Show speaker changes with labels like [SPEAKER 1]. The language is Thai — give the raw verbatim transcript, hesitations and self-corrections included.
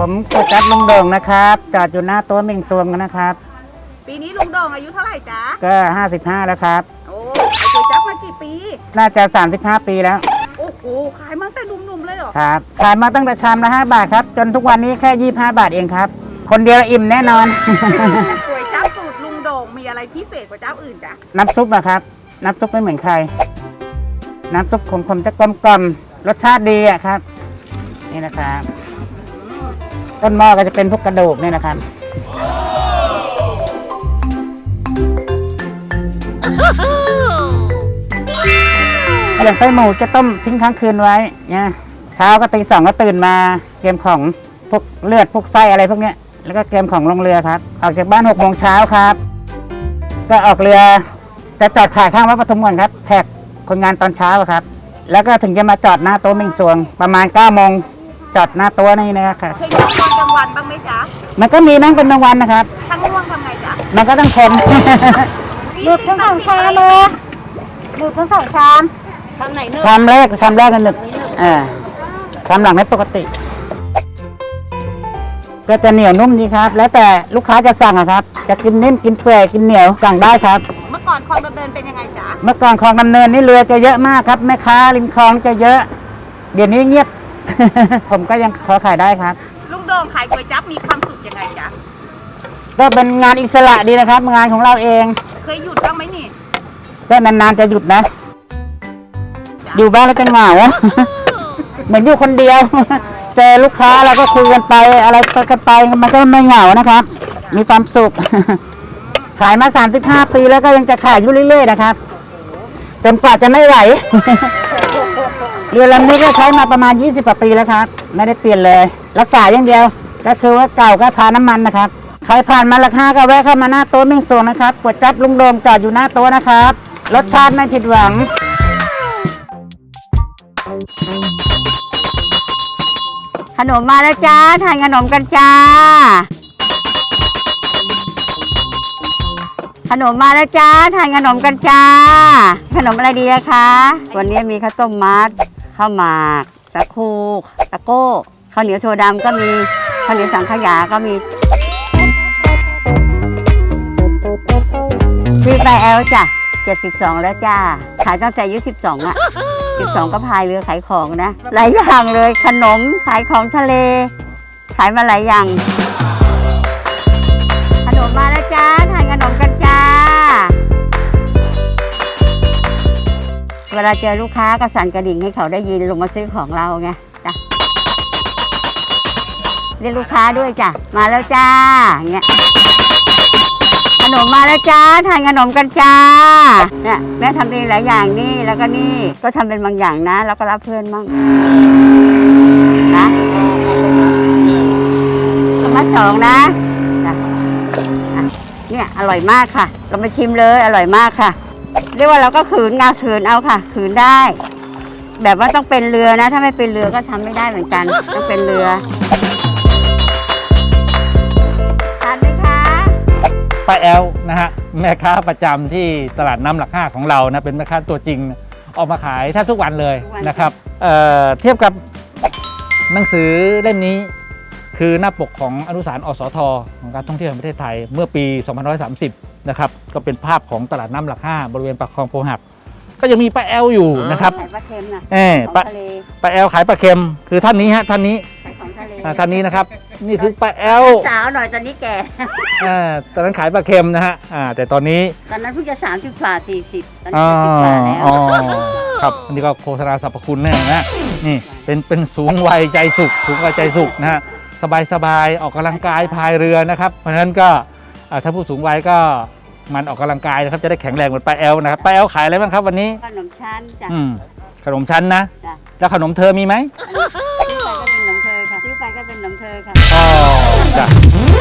[SPEAKER 1] ผมก๋วยจั๊บลุงโด่งนะครับจอดอยู่หน้าโต๊ะเม่งซวงนะครับ
[SPEAKER 2] ปีนี้ลุงโด่งอายุเท่าไหร่จ๊ะ
[SPEAKER 1] ก็ห้าสิบห้าแล้วครับ
[SPEAKER 2] โอ้ขายก๋วยจั๊บมากี่ปี
[SPEAKER 1] น่าจะสามสิบห้าปีแล้ว
[SPEAKER 2] โอ้โหขายมาตั้งแต่หนุ่มๆเลยเหรอ
[SPEAKER 1] ครับขายมาตั้งแต่ชามละห้าบาทครับจนทุกวันนี้แค่ยี่สิบห้าบาทเองครับคนเดียวอิ่มแน่นอน
[SPEAKER 2] ก๋วยจั๊บสูตรลุงโด่งมีอะไรพิเศษกว่าเจ้าอื่นจ๊ะ
[SPEAKER 1] น้ำซุปนะครับน้ำซุปไม่เหมือนใครน้ำซุปของผมจะกลมกล่อมรสชาติดีอะครับนี่นะครับต้นหม้อก็จะเป็นพวกกระดูกนี่นะครับอย่างไส้หมูจะต้มทิ้งค้างคืนไว้เนี่ยเช้าก็ตีสองก็ตื่นมาเตรียมของพวกเลือดพวกไส้อะไรพวกเนี้ยแล้วก็เตรียมของลงเรือครับออกจากบ้านหกโมงเช้าครับก็ออกเรือจะจอดขายข้างวัดปทุมก่อนครับแท็กคนงานตอนเช้าครับแล้วก็ถึงจะมาจอดหน้าโต๊ะเม่งซวงประมาณเก้าโมงจอดหน้าโต๊ะนี่นะครับ
[SPEAKER 2] เคยอยู่ตอนกลางวันบ้างไหมจ๊ะ
[SPEAKER 1] มันก็มีนั่งเป็นบางวันนะครับ
[SPEAKER 2] ทั้งง่วงทำไงจ๊ะ
[SPEAKER 1] มันก็ต้องทน
[SPEAKER 3] หลุดทั้งสองชามเลยหลุดทั้งสองชาม
[SPEAKER 2] ชามไหนเนื้อ
[SPEAKER 1] ชามแรกชามแรกกันหนึ่งอ่าชามหลังไม่ปกติก็จะเหนียวนุ่มดีครับแล้วแต่ลูกค้าจะสั่งอะครับจะกินนิ่มกินเปื่อยกินเหนียวสั่งได้ครับ
[SPEAKER 2] เมื่อก่อนคลองดำเนินเป็นยังไงจ๊ะ
[SPEAKER 1] เมื่อก่อนคลองดำเนินนี่เรือจะเยอะมากครับแม่ค้าริมคลองจะเยอะเดี๋ยวนี้เงียบ ผมก็ยังพอขายได้ครับ
[SPEAKER 2] ลุงโด่งขายก๋วยจั๊บมีความสุขยังไงจ๊ะ
[SPEAKER 1] ก็เป็นงานอิสระดีนะครับงานของเราเอง
[SPEAKER 2] เคยหยุดบ้างไหมนี่
[SPEAKER 1] ก็นานๆจะหยุดนะอยู่บ้านแล้วจะเหงา เหมือนอยู่คนเดียว เจอลูกค้าเราก็คุยกันไปอะไรกันไปมันก็ไม่เหงานะครับมีความสุข ขายมาสามสิบห้าปีแล้วก็ยังจะขายอยู่เรื่อยๆนะครับจนกว่าจะไม่ไหว เรือลำนี้ก็ใช้มาประมาณยี่สิบกว่าปีแล้วครับไม่ได้เปลี่ยนเลยรักษาอย่างเดียวก็คือว่าเก่าก็ทาน้ำมันนะครับใครผ่านมาราคาก็แวะเข้ามาหน้าโต๊ะเม่งซวงนะครับก๋วยจั๊บลุงโด่งจอดอยู่หน้าโต๊ะนะครับรสชาติไม่ผิดหวัง
[SPEAKER 3] ขนมมาแล้วจ้าทานขนมกันจ้าขนมมาแล้วจ้าทานขนมกันจ้าขนมอะไรดีนะคะวันนี้มีข้าวต้มมัดข้าวหมากตะคูตะโก้ข้าวเหนียวโซดำก็มีข้าวเหนียวสังขยาก็มีชื่อปลาแอลจ้ะเจ็ดสิบสองแล้วจ้าขายตั้งแต่อายุสิบสองอะสิบสองก็พายเรือขายของนะหลายอย่างเลยขนมขายของทะเลขายมาหลายอย่างขนมมาแล้วจ้าทานขนมกันจ้าเวลาเจอลูกค้าก็สั่นกระดิ่งให้เขาได้ยินลงมาซื้อของเราไงจ้ะเรียกลูกค้าด้วยจ้ะมาแล้วจ้าอย่างเงี้ยขนมมาแล้วจ้าทานขนมกันจ้าเนี่ยแม่ทำเองหลายอย่างนี่แล้วก็นี่ก็ทำเป็นบางอย่างนะแล้วก็รับเพื่อนมั่งนะมาสองนะเนี่ยอร่อยมากค่ะเรามาชิมเลยอร่อยมากค่ะเรียกว่าเราก็ขืนงาขืนเอาค่ะขืนได้แบบว่าต้องเป็นเรือนะถ้าไม่เป็นเรือก็ทำไม่ได้เหมือนกันต้องเป็นเรือทานไหมคะ
[SPEAKER 4] ป้าแอลนะฮะแม่ค้าประจำที่ตลาดน้ำหลักห้าของเรานะเป็นแม่ค้าตัวจริงออกมาขายแทบทุกวันเลยนะครับ เ, เทียบกับหนังสือเล่มนี้คือหน้าปกของอนุสารณ์อสท.ของการท่องเที่ยวแห่งประเทศไทยเมื่อปีสองพันห้าร้อยสามสิบนะครับก็เป็นภาพของตลาดน้ำหลักห้าบริเวณปากคลองโพหักก็ยังมีป้าแอลอยู่นะครับ
[SPEAKER 3] ขายปลาเค็มนะ
[SPEAKER 4] เออป้าป้าแอลขายปลาเค็มคือท่านนี้ฮะท่านนี้
[SPEAKER 3] ขายของทะเล
[SPEAKER 4] ท่านนี้นะครับนี่คือป้าแอล
[SPEAKER 3] สาวหน่อยตอนนี้แก่
[SPEAKER 4] อ่าตอนนั้นขายปลาเค็มนะฮะอ่าแต่ตอนนี้
[SPEAKER 3] ตอนนั้นเพิ่งจะสามสิบกว่าสี่สิบตอนนี้สิบกว่าแล้ว
[SPEAKER 4] อ๋อครับอันนี้ก็โฆษณาสรรพคุณแน่นะนี่เป็นเป็นสูงวัยใจสุขสูงวัยใจสุขนะฮะสบายสบายออกกำลังกายพายเรือนะครับเพราะฉะนั้นก็ถ้าผู้สูงวัยก็มันออกกำลังกายนะครับจะได้แข็งแรงเหมือนป้าแอลนะครับป้าแอลขายอะไรบ้างครับวันนี้
[SPEAKER 3] ขนมชั้นจ้ะ
[SPEAKER 4] ขนมชั้นนะแล้วขนมเธอมีไหม
[SPEAKER 3] ซื้อไปก็เป็นขนมเธอค่ะซื้อไปก็เป็นขนมเธอค่ะ
[SPEAKER 4] อ๋อจ้ะ